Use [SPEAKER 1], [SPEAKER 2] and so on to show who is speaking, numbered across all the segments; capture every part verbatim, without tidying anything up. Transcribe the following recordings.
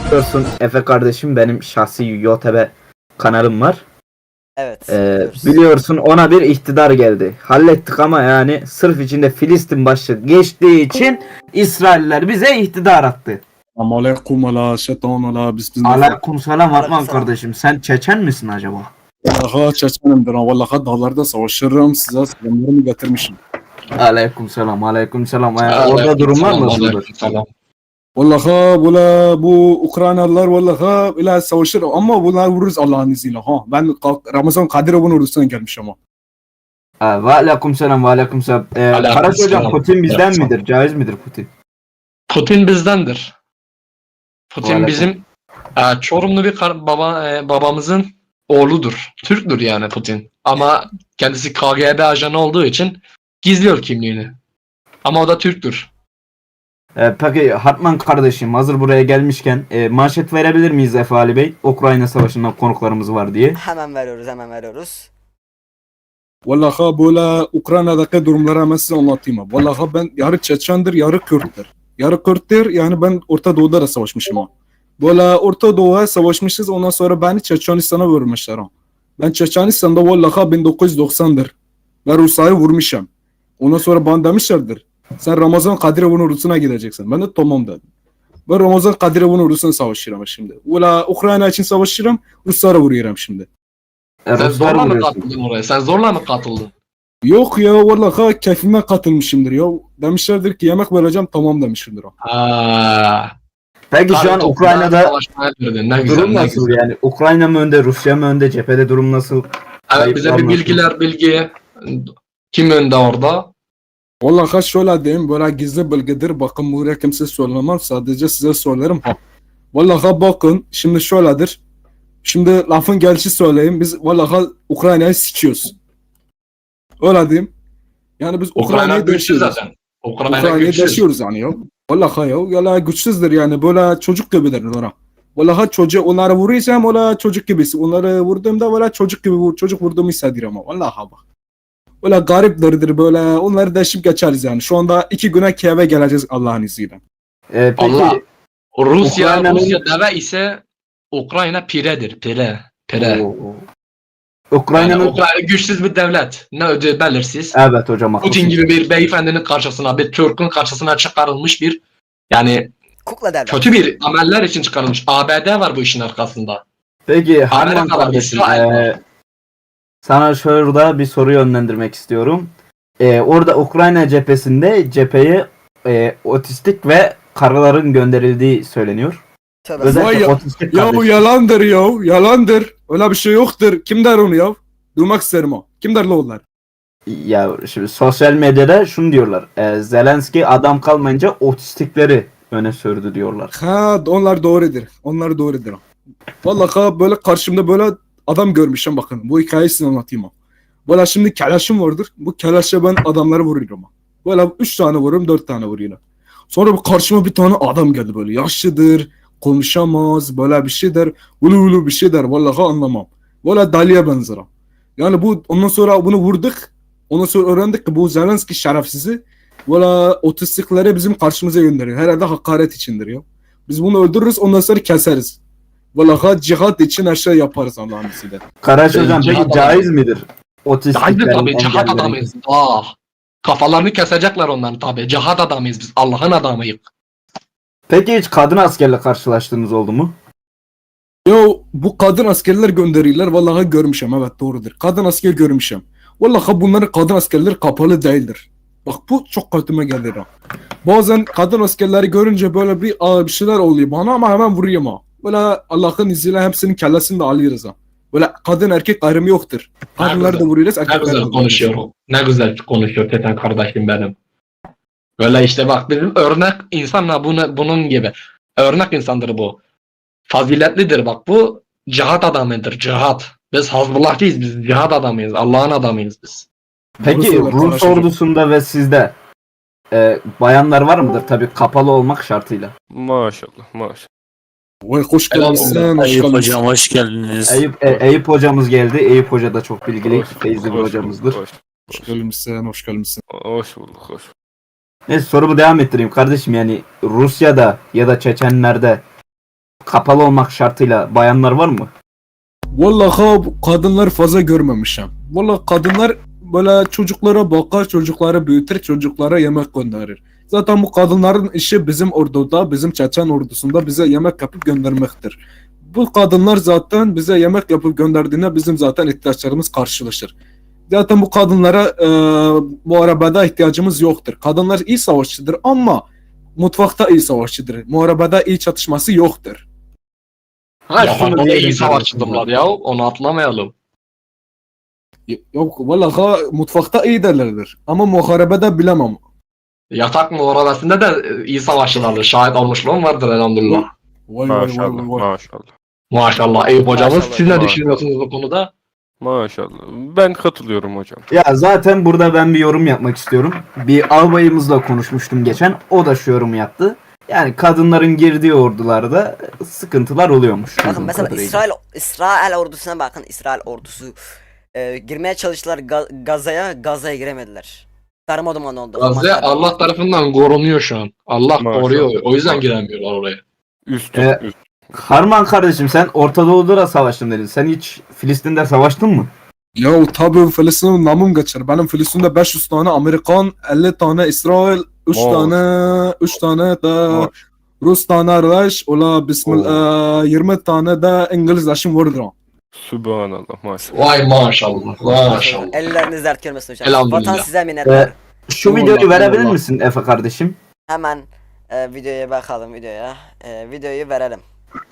[SPEAKER 1] Biliyorsun Efe kardeşim, benim şahsi YouTube kanalım var.
[SPEAKER 2] Evet.
[SPEAKER 1] Ee,
[SPEAKER 2] biliyoruz.
[SPEAKER 1] biliyorsun ona bir iktidar geldi. Hallettik ama yani sırf içinde Filistin başlığı geçtiği için İsrailler bize iktidar attı.
[SPEAKER 3] Ama aleyküm ala şeytan ala bismillah.
[SPEAKER 1] Aleykümselam Hartman
[SPEAKER 2] Aleykümselam.
[SPEAKER 1] kardeşim, sen Çeçen misin acaba?
[SPEAKER 3] Vallahi Çeçenimdir ha. Vallahi dağlarda savaşırım. Size selamlarımı getirmişim.
[SPEAKER 1] Aleykümselam aleykümselam. Ee,
[SPEAKER 4] Aleyküm
[SPEAKER 1] orada durumlar
[SPEAKER 4] selam,
[SPEAKER 1] nasıldır?
[SPEAKER 4] aleyküm selam.
[SPEAKER 3] Vallahi böyle bu Ukraynalılar vallahi ile savaşır ama bunlar vururuz Allah'ın izniyle ha. Ben kalk- Ramazan Kadirov'un ordusuna gelmişim ama.
[SPEAKER 1] Ee, ve aleykümselam ve aleykümselam. Ee,
[SPEAKER 4] Aleykümselam.
[SPEAKER 1] Karaca hocam, Putin bizden
[SPEAKER 4] Aleykümselam.
[SPEAKER 1] midir? Caiz midir Putin?
[SPEAKER 4] Putin bizdendir. Putin
[SPEAKER 1] Aleyküm.
[SPEAKER 4] bizim e, Çorumlu bir kar- baba e, babamızın oğludur. Türktür yani Putin. Ama kendisi K G B ajanı olduğu için gizliyor kimliğini. Ama o da Türktür.
[SPEAKER 1] Ee, peki Hartman kardeşim, hazır buraya gelmişken e, manşet verebilir miyiz Efe Ali Bey? Ukrayna Savaşı'ndan konuklarımız var diye.
[SPEAKER 2] Hemen veriyoruz, hemen veriyoruz.
[SPEAKER 3] Vallahi böyle Ukrayna'daki durumları hemen size anlatayım. ha. Vallahi ben yarı Çeçendir, yarı Kürt'tür. Yarı Kürt'tir yani ben Orta Doğu'da da savaşmışım ha. Böyle Orta Doğu'ya savaşmışız, ondan sonra beni Çeçenistan'a vurmuşlar ha. Ben Çeçenistan'da vallahi bin dokuz yüz doksandır. Ben Rusya'yı vurmuşum. Ondan sonra bana demişlerdir. Sen Ramazan Kadirov'un ordusuna gideceksin. Ben de tamam dedim. Ben Ramazan Kadirov'un ordusuna savaşıyorum şimdi. Valla Ukrayna için savaşıyorum, Ruslara vuruyorum şimdi.
[SPEAKER 1] E,
[SPEAKER 4] Sen
[SPEAKER 1] Ruslar
[SPEAKER 4] zorla mı
[SPEAKER 1] vuruyorsun.
[SPEAKER 4] katıldın oraya? Sen zorla mı katıldın?
[SPEAKER 3] Yok ya vallahi keyfime katılmışımdır ya. Demişlerdir ki yemek vereceğim, tamam demişimdir o.
[SPEAKER 4] Ha.
[SPEAKER 1] Peki şu an
[SPEAKER 4] Tabii,
[SPEAKER 1] Ukrayna'da
[SPEAKER 4] savaşmaya girdin. Ne güzel,
[SPEAKER 1] durum
[SPEAKER 4] ne
[SPEAKER 1] nasıl
[SPEAKER 4] güzel.
[SPEAKER 1] yani? Ukrayna mı önde, Rusya mı önde, cephede durum nasıl?
[SPEAKER 4] Evet, bize bir
[SPEAKER 1] Kayıplar
[SPEAKER 4] bilgiler bilgi. Kim önde orada?
[SPEAKER 3] Vallahi şöyle diyeyim, böyle gizli bilgidir. Bakın buraya kimse söylemem, sadece size söylerim ha. Vallahi bakın şimdi şöyledir. Şimdi lafın gelişi söyleyeyim. Biz vallahi Ukrayna'yı sikiyoruz. Öyle diyeyim. Yani biz
[SPEAKER 4] Ukrayna
[SPEAKER 3] Ukrayna'yı
[SPEAKER 4] güçlü
[SPEAKER 3] deşiyoruz.
[SPEAKER 4] zaten. Ukrayna
[SPEAKER 3] Ukrayna'yı
[SPEAKER 4] güçlü.
[SPEAKER 3] deşiyoruz yani ya. Vallahi ya. Yala güçsüzdür yani. Böyle çocuk gibidir ona. Vallahi çocuğu onları vuruyorsam ola çocuk gibisi. Onları vurduğumda böyle çocuk gibi vur, çocuk vurduğumu hissediyorum ama. Vallahi bak. Böyle gariplerdir böyle. Onları deşip geçeriz yani. Şu anda iki güne Kiev'e geleceğiz Allah'ın izniyle.
[SPEAKER 1] Ee, peki
[SPEAKER 4] Allah. Rusya,
[SPEAKER 1] Ukrayna'nın-
[SPEAKER 4] Rusya deve ise Ukrayna piredir. Pire. Pire.
[SPEAKER 1] Oo.
[SPEAKER 4] Yani
[SPEAKER 1] Ukrayna'nın
[SPEAKER 4] Ukrayna güçsüz bir devlet. Ne ödü belirsiz.
[SPEAKER 1] evet hocam
[SPEAKER 4] Putin
[SPEAKER 1] haklısın.
[SPEAKER 4] gibi bir beyefendinin karşısına, bir Türk'ün karşısına çıkarılmış bir, yani
[SPEAKER 2] Kukla devlet.
[SPEAKER 4] kötü bir ameller için çıkarılmış. A B D var bu işin arkasında.
[SPEAKER 1] Peki Harman
[SPEAKER 4] Amerika var,
[SPEAKER 1] kardeşim,
[SPEAKER 4] İsrail var.
[SPEAKER 1] ee, sana şurada bir soru yönlendirmek istiyorum. Ee, orada Ukrayna cephesinde cepheye ee, otistik ve karıların gönderildiği söyleniyor.
[SPEAKER 2] Tövbe
[SPEAKER 3] Vay
[SPEAKER 1] Özellikle
[SPEAKER 3] ya-
[SPEAKER 1] otistik
[SPEAKER 3] Ya
[SPEAKER 1] kardeşim.
[SPEAKER 3] yalandır ya. Yalandır. Öyle bir şey yoktur. Kim der onu ya? Duymak isterim o. Kim der la onlar?
[SPEAKER 1] Ya şimdi sosyal medyada şunu diyorlar. E, Zelenski adam kalmayınca otistikleri öne sürdü diyorlar.
[SPEAKER 3] Ha onlar doğrudur. Onlar doğrudur. Vallahi böyle karşımda böyle adam görmüşüm bakın. Bu hikayesini anlatayım ha. Böyle şimdi kelaşım vardır. Bu kelaşa ben adamları vuruyorum. ha. Böyle üç tane vururum, dört tane vuruyorum. Sonra bu karşıma bir tane adam geldi böyle. Yaşlıdır, konuşamaz, böyle bir şey der. Ulu ulu bir şey der. Vallahi anlamam. Böyle deliye benzer. ha. Yani bu ondan sonra bunu vurduk. Ondan sonra öğrendik ki bu Zelenski şerefsizi böyle otistikleri bizim karşımıza gönderiyor. Herhalde hakaret içindir ya. Biz bunu öldürürüz, ondan sonra keseriz. Vallahi cihat için her şey yaparız Allah'ın izniyle.
[SPEAKER 1] Karaç
[SPEAKER 4] Ben
[SPEAKER 1] hocam peki
[SPEAKER 4] cihat
[SPEAKER 1] caiz
[SPEAKER 4] adamım.
[SPEAKER 1] midir?
[SPEAKER 4] Haydi
[SPEAKER 1] Otistiklerin
[SPEAKER 4] tabii, cihat
[SPEAKER 1] engellerin-
[SPEAKER 4] adamıyız. Ah. Kafalarını kesecekler onların tabii. Cihat adamıyız biz. Allah'ın adamıyız.
[SPEAKER 1] Peki hiç kadın askerle karşılaştığınız oldu mu?
[SPEAKER 3] Ya bu kadın askerler gönderiyorlar. Vallahi görmüşüm, evet doğrudur. Kadın asker görmüşüm. Vallahi bunların kadın askerleri kapalı değildir. Bak bu çok kötüme geldi ha. Bazen kadın askerleri görünce böyle bir, aa, bir şeyler oluyor bana ama hemen vuruyorum ha. Böyle Allah'ın izniyle hepsinin kellesini de alıyoruz ha. Böyle kadın erkek ayrımı yoktur. Kadınları da
[SPEAKER 4] güzel.
[SPEAKER 3] vuruyoruz,
[SPEAKER 4] Ne
[SPEAKER 3] erkekleri de
[SPEAKER 4] güzel
[SPEAKER 3] vuruyoruz.
[SPEAKER 4] konuşuyor. Ne güzel konuşuyor Teten kardeşim benim. Böyle işte bak bizim örnek insanla bunu, bunun gibi. Örnek insandır bu. Faziletlidir bak bu. Cihat adamıdır. Cihat. Biz Hazbullahçıyız. Biz cihat adamıyız. Allah'ın adamıyız biz.
[SPEAKER 1] Peki
[SPEAKER 3] Doğru
[SPEAKER 1] Rus
[SPEAKER 3] söylüyor,
[SPEAKER 1] ordusunda ve sizde e, bayanlar var mıdır? Tabii kapalı olmak şartıyla.
[SPEAKER 5] Maşallah maşallah.
[SPEAKER 3] Vay hoş
[SPEAKER 4] Helal
[SPEAKER 3] gelmişsin, hoş
[SPEAKER 5] Eyüp
[SPEAKER 3] gelmişsin.
[SPEAKER 5] hocam hoş geldiniz.
[SPEAKER 1] Eyüp, e, Eyüp hocamız geldi. Eyüp hoca da çok bilgili,
[SPEAKER 5] Hoş-
[SPEAKER 1] feyizli bir
[SPEAKER 5] hoş
[SPEAKER 1] hocamızdır.
[SPEAKER 5] bulduk, Hoş,
[SPEAKER 3] Hoş gelmişsin, hoş gelmişsin.
[SPEAKER 5] hoş bulduk. Hoş.
[SPEAKER 1] Neyse sorumu devam ettireyim kardeşim, yani Rusya'da ya da Çeçenler'de kapalı olmak şartıyla bayanlar var mı?
[SPEAKER 3] Vallahi bu kadınlar fazla görmemişim. Vallahi kadınlar böyle çocuklara bakar, çocukları büyütür, çocuklara yemek gönderir. Zaten bu kadınların işi bizim orduda, bizim Çeçen ordusunda bize yemek yapıp göndermektir. Bu kadınlar zaten bize yemek yapıp gönderdiğinde bizim zaten ihtiyaçlarımız karşılaşır. Zaten bu kadınlara e, muharebede ihtiyacımız yoktur. Kadınlar iyi savaşçıdır ama mutfakta iyi savaşçıdır. Muharebede iyi çatışması yoktur.
[SPEAKER 1] Ha,
[SPEAKER 4] Ya
[SPEAKER 1] şunu
[SPEAKER 4] bana iyi
[SPEAKER 1] diyelim.
[SPEAKER 4] savaşçıdırlar ya. Onu atlamayalım.
[SPEAKER 3] Yok vallahi mutfakta iyi derlerdir ama muharebede bilemem.
[SPEAKER 4] Yatak muharebesinde de e, iyi savaşçılardır. Şahit olmuşluğum vardır elhamdülillah.
[SPEAKER 3] Vay vay vay
[SPEAKER 5] Maşallah,
[SPEAKER 3] vay. vay.
[SPEAKER 5] maşallah.
[SPEAKER 4] Maşallah Eyüp hocamız.
[SPEAKER 2] Maşallah.
[SPEAKER 4] Siz ne
[SPEAKER 5] Maşallah.
[SPEAKER 4] düşünüyorsunuz bu konuda?
[SPEAKER 5] Maşallah. Ben katılıyorum hocam.
[SPEAKER 1] Ya zaten burada ben bir yorum yapmak istiyorum. Bir albayımızla konuşmuştum geçen. O da şu yorumu yaptı. Yani kadınların girdiği ordularda sıkıntılar oluyormuş.
[SPEAKER 2] Bakın
[SPEAKER 1] bildiğim
[SPEAKER 2] mesela
[SPEAKER 1] kadarıyla.
[SPEAKER 2] İsrail İsrail ordusuna bakın. İsrail ordusu e, girmeye çalıştılar Ga- Gaza'ya, Gaza'ya giremediler. Darmadağın oldu.
[SPEAKER 4] Gazze
[SPEAKER 2] Hamaslar.
[SPEAKER 4] Allah tarafından korunuyor şu an. Allah
[SPEAKER 5] Maşallah.
[SPEAKER 4] koruyor. O yüzden
[SPEAKER 5] Maşallah.
[SPEAKER 4] giremiyorlar oraya.
[SPEAKER 5] Üst
[SPEAKER 1] Ee,
[SPEAKER 5] üst.
[SPEAKER 1] Harman kardeşim sen Orta Doğu'da da savaştın dedin. Sen hiç Filistin'de savaştın mı?
[SPEAKER 3] Ya tabii Filistin'in namım geçer. Benim Filistin'de beş yüz tane Amerikan, elli tane İsrail, üç
[SPEAKER 5] Maş-
[SPEAKER 3] tane üç tane de
[SPEAKER 5] Maş-
[SPEAKER 3] Rus tane arkadaş, ola bismillah yirmi tane de İngilizleşim vardır.
[SPEAKER 5] Subhanallah maşallah.
[SPEAKER 4] Vay maşallah. Maşallah.
[SPEAKER 2] Elleriniz dert görmesin hocam.
[SPEAKER 4] Elhamdülillah.
[SPEAKER 2] Vatan size minnettar.
[SPEAKER 1] Şu
[SPEAKER 3] Eyvallah,
[SPEAKER 1] videoyu verebilir
[SPEAKER 3] eyvallah.
[SPEAKER 1] misin Efe kardeşim?
[SPEAKER 2] Hemen e, videoya bakalım videoya. E, videoyu verelim.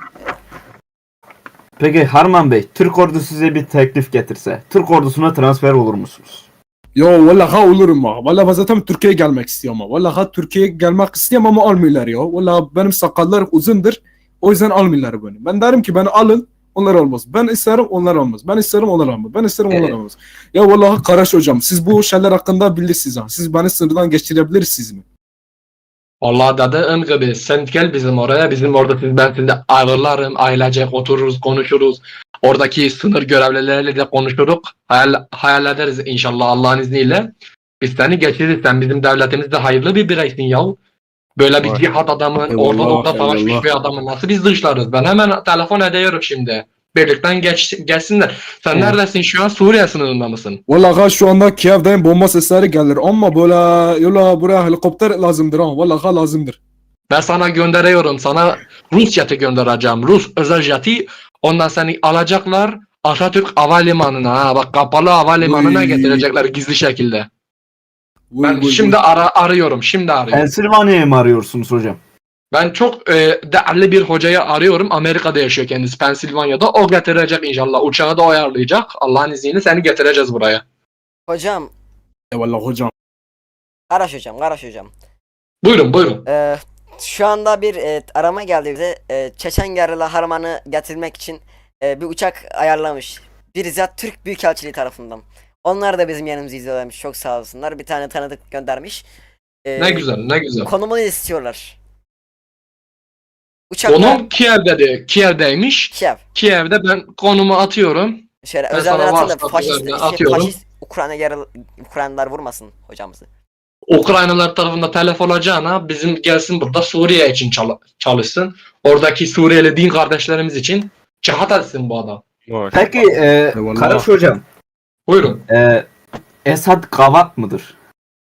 [SPEAKER 1] Peki Harman Bey, Türk ordusu size bir teklif getirse, Türk ordusuna transfer olur musunuz?
[SPEAKER 3] Ya vallahi olurum ha. Vallahi ben zaten Türkiye'ye gelmek istiyorum ha. Vallahi Türkiye'ye gelmek istiyorum ama almıyorlar ya. Vallahi benim sakallar uzundur. O yüzden almıyorlar beni. Ben derim ki beni alın. Onlar olmaz. Ben isterim onlar olmaz. Ben isterim onlar olmaz. Ben isterim onlar
[SPEAKER 1] Evet.
[SPEAKER 3] olmaz. Ya vallahi Karaş hocam siz bu şeyler hakkında bilirsiniz ha. Siz beni sınırdan geçirebilirsiniz mi?
[SPEAKER 4] Vallahi dediğim gibi sen gel bizim oraya. Bizim orada siz ben sizi ağırlarım. Ailecek otururuz, konuşuruz. Oradaki sınır görevlileriyle de konuşuruz. Hayal, hayal ederiz inşallah Allah'ın izniyle. Biz seni geçiririz. Sen bizim devletimizde hayırlı bir bireysin yahu. Böyle bir
[SPEAKER 5] Var.
[SPEAKER 4] cihat adamı,
[SPEAKER 3] Eyvallah,
[SPEAKER 4] orada orada savaşmış
[SPEAKER 3] eyvallah.
[SPEAKER 4] bir adamı nasıl biz dışlarız? Ben hemen telefon ediyorum şimdi. Birlikten geç, geçsinler. Sen
[SPEAKER 1] Evet.
[SPEAKER 4] neredesin şu an? Suriye sınırında mısın?
[SPEAKER 3] Vallahi şu anda Kiev'deyim bomba sesleri gelir ama böyle yola buraya helikopter lazımdır ha. Vallahi lazımdır.
[SPEAKER 4] Ben sana gönderiyorum. Sana Rus jeti göndereceğim. Rus özel jeti. Ondan seni alacaklar Atatürk Havalimanı'na. Ha, bak kapalı havalimanına
[SPEAKER 3] Uy.
[SPEAKER 4] getirecekler gizli şekilde.
[SPEAKER 3] Vay,
[SPEAKER 4] Ben
[SPEAKER 3] vay,
[SPEAKER 4] şimdi
[SPEAKER 3] vay.
[SPEAKER 4] ara, arıyorum. Şimdi arıyorum.
[SPEAKER 1] Pensilvanya'yı mı arıyorsunuz hocam?
[SPEAKER 4] Ben çok e, değerli bir hocayı arıyorum. Amerika'da yaşıyor kendisi. Pensilvanya'da. O getirecek inşallah. Uçağı da o ayarlayacak. Allah'ın izniyle seni getireceğiz buraya.
[SPEAKER 2] Hocam,
[SPEAKER 3] Eyvallah hocam.
[SPEAKER 2] Karaş hocam, Karaş hocam.
[SPEAKER 4] Buyurun buyurun.
[SPEAKER 2] Ee, şu anda bir e, arama geldi bize. E, Çeçen Gerilla Harman'ı getirmek için e, bir uçak ayarlamış. Bizzat Türk Büyükelçiliği tarafından. Onlar da bizim yanımızı izliyorlarmış. Çok sağ olsunlar. Bir tane tanıdık göndermiş. E,
[SPEAKER 4] Ne güzel ne güzel.
[SPEAKER 2] Konumunu istiyorlar. Uçakla
[SPEAKER 4] Konum Kiev'de Kiev'deymiş.
[SPEAKER 2] Kiev.
[SPEAKER 4] Kiev'de ben konumu atıyorum.
[SPEAKER 2] Şöyle
[SPEAKER 4] Ben
[SPEAKER 2] özelden
[SPEAKER 4] sana
[SPEAKER 2] atın da
[SPEAKER 4] WhatsApp
[SPEAKER 2] faşist,
[SPEAKER 4] üzerinden
[SPEAKER 2] şey,
[SPEAKER 4] atıyorum.
[SPEAKER 2] faşist Ukrayna Gerilla Ukraynalılar vurmasın hocamızı.
[SPEAKER 4] Ukraynalılar tarafında telef olacağına bizim gelsin burada Suriye için çal- çalışsın. Oradaki Suriyeli din kardeşlerimiz için cihat etsin bu adam.
[SPEAKER 5] Maşallah.
[SPEAKER 1] Peki e,
[SPEAKER 3] Eyvallah.
[SPEAKER 1] Karaş hocam,
[SPEAKER 4] Buyurun.
[SPEAKER 1] e, Esad gavat mıdır?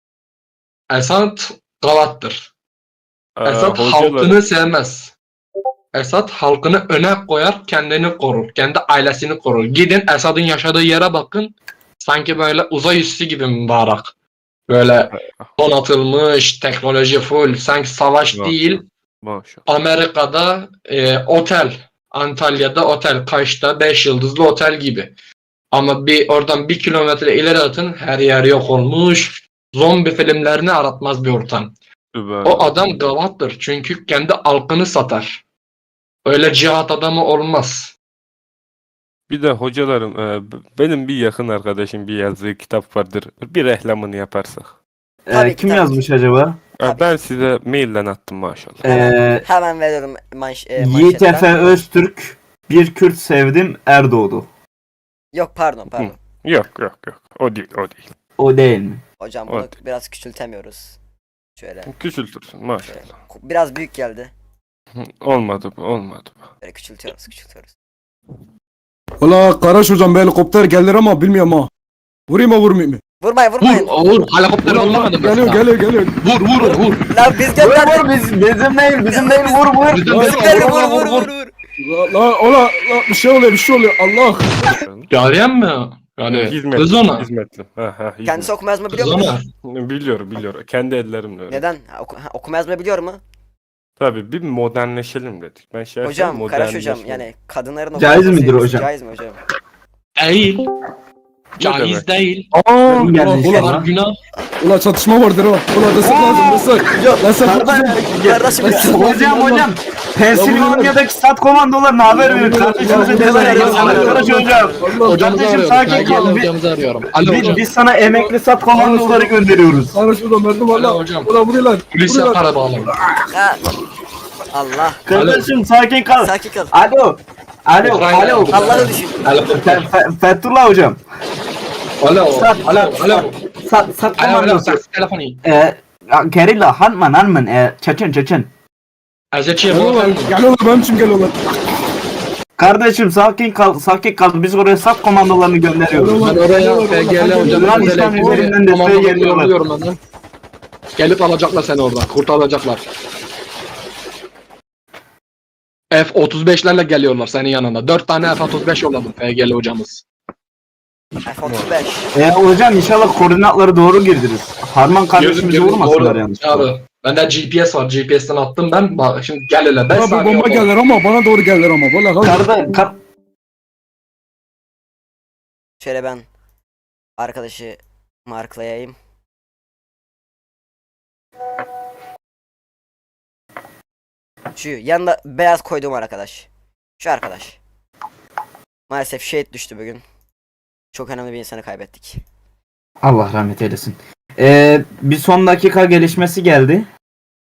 [SPEAKER 4] Esad gavattır.
[SPEAKER 5] Ee,
[SPEAKER 4] Esad
[SPEAKER 5] hocalar-
[SPEAKER 4] halkını sevmez. Esad halkını öne koyar, kendini korur. Kendi ailesini korur. Gidin Esad'ın yaşadığı yere bakın. Sanki böyle uzay üssü gibi mübarek. Böyle donatılmış, teknoloji full. Sanki savaş
[SPEAKER 5] Maşallah.
[SPEAKER 4] değil.
[SPEAKER 5] Maşallah.
[SPEAKER 4] Amerika'da e, otel, Antalya'da otel, Kaş'ta beş yıldızlı otel gibi. Ama bir oradan bir kilometre ileri atın her yer yok olmuş. Zombi filmlerini aratmaz bir ortam.
[SPEAKER 5] Subhanallah.
[SPEAKER 4] O adam gavattır çünkü kendi halkını satar. Öyle cihat adamı olmaz.
[SPEAKER 5] Bir de hocalarım, e, b- benim bir yakın arkadaşım bir yazdığı kitap vardır. Bir reklamını yaparsak.
[SPEAKER 1] E,
[SPEAKER 2] Tabii ki,
[SPEAKER 1] kim
[SPEAKER 2] tabii
[SPEAKER 1] yazmış acaba?
[SPEAKER 5] E,
[SPEAKER 2] Tabii.
[SPEAKER 5] ben size mailden attım maşallah.
[SPEAKER 1] E,
[SPEAKER 2] Hemen veriyorum manş e,
[SPEAKER 1] Yiğit
[SPEAKER 2] manşetten.
[SPEAKER 1] Efe Öztürk, bir Kürt sevdim Erdoğdu.
[SPEAKER 2] Yok pardon pardon.
[SPEAKER 5] Yok yok yok. O değil o değil.
[SPEAKER 1] O değil mi?
[SPEAKER 2] Hocam bunu
[SPEAKER 5] Evet.
[SPEAKER 2] biraz küçültemiyoruz. Şöyle.
[SPEAKER 5] Küçültürsün maşallah.
[SPEAKER 2] Biraz büyük geldi.
[SPEAKER 5] Olmadı bu, olmadı bu.
[SPEAKER 2] Böyle küçültüyoruz küçültüyoruz.
[SPEAKER 3] Valla Karaş hocam bir helikopter gelir ama bilmiyorum ha. Vurayım mı vurmayayım mı?
[SPEAKER 2] Vurmayın
[SPEAKER 4] Vur,
[SPEAKER 2] vurmayın.
[SPEAKER 4] vur. Helikopter yollamadım
[SPEAKER 3] Geliyor
[SPEAKER 4] mesela.
[SPEAKER 3] geliyor geliyor.
[SPEAKER 4] Vur, vur, vur.
[SPEAKER 2] Lan biz
[SPEAKER 1] Vur
[SPEAKER 2] gönderdik.
[SPEAKER 1] vur biz, bizim değil bizim değil vur vur.
[SPEAKER 4] Bizim
[SPEAKER 3] Vur,
[SPEAKER 2] Bizimkileri
[SPEAKER 4] vur,
[SPEAKER 2] vur
[SPEAKER 4] vur,
[SPEAKER 2] vur
[SPEAKER 4] vur.
[SPEAKER 2] vur vur.
[SPEAKER 3] La, la, ola, la, bir şey oluyor bir şey oluyor Allah.
[SPEAKER 4] Cariyen mi? Yani
[SPEAKER 5] Hizmetli,
[SPEAKER 4] kız ona.
[SPEAKER 5] hizmetli. Ha, ha, hizmet.
[SPEAKER 2] Kendisi okuma yazma biliyor
[SPEAKER 4] Kız
[SPEAKER 2] mu?
[SPEAKER 4] ona.
[SPEAKER 5] Biliyorum, biliyorum. Kendi ellerimle öyle.
[SPEAKER 2] Neden? Ha, oku- ha, okuma yazma biliyor mu?
[SPEAKER 5] Tabii bir modernleşelim dedik. Ben şey
[SPEAKER 2] Hocam,
[SPEAKER 5] yapayım,
[SPEAKER 2] Karaş hocam
[SPEAKER 5] modernleşelim.
[SPEAKER 2] yani kadınların
[SPEAKER 1] Caiz
[SPEAKER 2] okuma
[SPEAKER 1] midir
[SPEAKER 2] yazması
[SPEAKER 1] hocam?
[SPEAKER 2] Caiz mi hocam?
[SPEAKER 4] Değil.
[SPEAKER 5] demek?
[SPEAKER 4] Caiz değil.
[SPEAKER 5] Aa,
[SPEAKER 1] Kim gelmiş
[SPEAKER 3] ulan,
[SPEAKER 1] ya?
[SPEAKER 4] Bunlar günah.
[SPEAKER 3] Ula çatışma vardır ha. Ula destek lazım destek. Destek
[SPEAKER 2] Kardeşim ya.
[SPEAKER 1] Hocam hocam Pensilvanya'daki stat komandolarına haber verin. Kardeşimize neler yapıyorlar. Karaş hocam.
[SPEAKER 4] Hocamızı
[SPEAKER 1] Kardeşim
[SPEAKER 4] arıyorum.
[SPEAKER 1] sakin
[SPEAKER 4] Ben
[SPEAKER 1] kal.
[SPEAKER 4] gelin
[SPEAKER 1] Biz,
[SPEAKER 4] hocamızı arıyorum. Alo
[SPEAKER 1] biz,
[SPEAKER 4] hocam.
[SPEAKER 1] biz sana emekli stat komandoları gönderiyoruz.
[SPEAKER 3] Karaş hocam verdim
[SPEAKER 4] Alo
[SPEAKER 3] valla.
[SPEAKER 4] hocam.
[SPEAKER 3] Ula vuruyorlar.
[SPEAKER 4] Polis
[SPEAKER 3] vuruyorlar.
[SPEAKER 4] yapar bağlayın.
[SPEAKER 2] Ha. Allah.
[SPEAKER 1] Kardeşim sakin kal.
[SPEAKER 2] Sakin kal.
[SPEAKER 1] Alo. Alo.
[SPEAKER 4] Ukrayna.
[SPEAKER 1] Alo.
[SPEAKER 2] Allah'ı düşün.
[SPEAKER 4] Helikopter.
[SPEAKER 1] Fe- Fe- Fethullah hocam.
[SPEAKER 4] Alo.
[SPEAKER 1] Sat,
[SPEAKER 4] Alo. Alo.
[SPEAKER 1] Sat, sat
[SPEAKER 4] Alo. Alo.
[SPEAKER 1] komandosu.
[SPEAKER 4] Ses telefonu.
[SPEAKER 1] Ee, Gerilla, Hanman, Hanman, e, Çeçen, Çeçen.
[SPEAKER 4] Ezeciye
[SPEAKER 3] Geliyorlar.
[SPEAKER 4] bu.
[SPEAKER 3] Geliyorlar benim için geliyorlar.
[SPEAKER 1] Kardeşim sakin kal, sakin kal. Biz oraya sat komandolarını gönderiyoruz.
[SPEAKER 4] Ben oraya P G L hocam.
[SPEAKER 1] Yunan İslam üzerinden desteğe geliyorlar.
[SPEAKER 4] Geliyorlar. Gelip alacaklar seni oradan. Kurtaracaklar. F otuz beşlerle geliyorlar senin yanına. dört tane F otuz beş yolladım P G L hocamız.
[SPEAKER 2] F otuz beş.
[SPEAKER 1] E, hocam inşallah koordinatları doğru girdiniz. Harman kardeşimizi
[SPEAKER 4] Girdim, girdim.
[SPEAKER 1] vurmasınlar
[SPEAKER 4] Doğru.
[SPEAKER 1] yanlış.
[SPEAKER 4] Abi, bende G P S var. G P S'ten attım ben. Bak şimdi gel hele. beş
[SPEAKER 3] Bana bir
[SPEAKER 4] saniye
[SPEAKER 3] bomba
[SPEAKER 4] oldu.
[SPEAKER 3] gelir ama bana doğru gelir ama. Valla kal.
[SPEAKER 1] Karda, kar,
[SPEAKER 2] Şöyle ben arkadaşı marklayayım. Şu yanında beyaz koyduğum arkadaş. Şu arkadaş. Maalesef şehit düştü bugün. Çok önemli bir insanı kaybettik.
[SPEAKER 1] Allah rahmet eylesin. E, bir son dakika gelişmesi geldi.